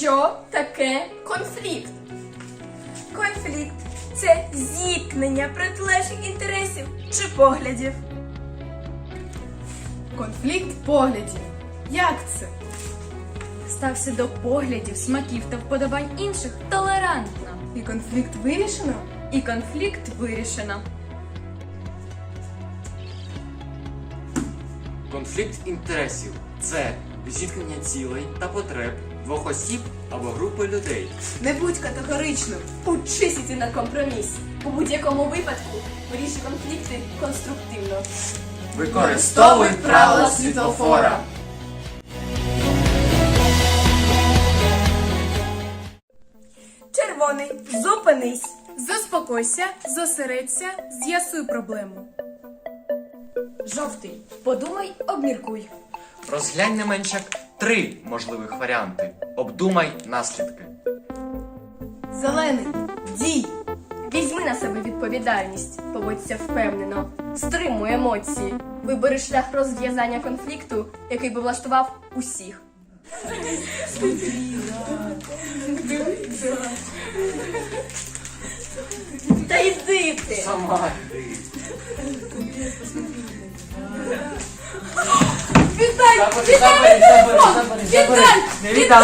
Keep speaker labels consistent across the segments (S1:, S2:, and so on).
S1: Що таке конфлікт? Конфлікт – це зіткнення протилежних інтересів чи поглядів.
S2: Конфлікт поглядів. Як це?
S3: Стався до поглядів, смаків та вподобань інших толерантно.
S2: І конфлікт вирішено?
S3: І конфлікт вирішено.
S4: Конфлікт інтересів – це зіткнення цілей та потреб двох осіб або групи людей.
S2: Не будь категоричним.
S1: Учись іти на компроміс. У будь-якому випадку вирішуй конфлікти конструктивно.
S4: Використовуй правила світлофора.
S1: Червоний, зупинись.
S2: Заспокойся, зосередься, з'ясуй проблему.
S1: Жовтий, подумай, обміркуй.
S4: Розглянь не менше як 3 можливих варіанти. Обдумай наслідки.
S2: Зелений. Дій.
S1: Візьми на себе відповідальність, поводься впевнено, стримуй емоції, вибери шлях розв'язання конфлікту, який би влаштував усіх. Та йди ти!
S4: Сама.
S1: Не віддам!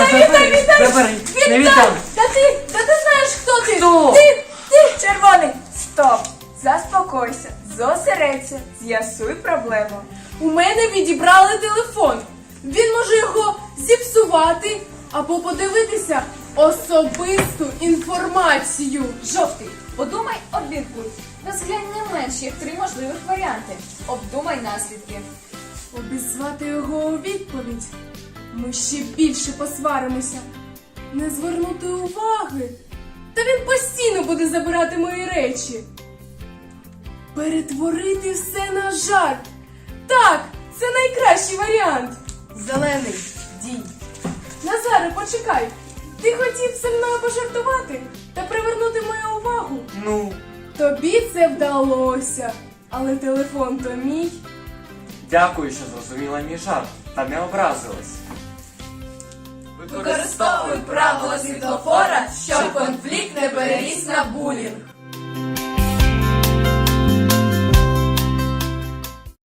S1: Та ти знаєш, хто ти? Ти, червоний! Стоп! Заспокойся, зосередься, з'ясуй проблему.
S2: У мене відібрали телефон. Він може його зіпсувати або подивитися особисту інформацію.
S3: Жовтий, подумай, обміркуй. Розглянь не менш як 3 можливих варіанти. Обдумай наслідки.
S2: Обізвати його у відповідь. Ми ще більше посваримося. Не звернути уваги. Та він постійно буде забирати мої речі. Перетворити все на жарт. Так, це найкращий варіант. Зелений, дій. Назаре, почекай. Ти хотів зі мною пожартувати та привернути мою увагу.
S4: Ну,
S2: Тобі це вдалося. Але телефон то мій.
S4: дякую, що зрозуміла мій жарт та не образилась.
S1: Використовуй правила світлофора, щоб конфлікт не переріс на булінг.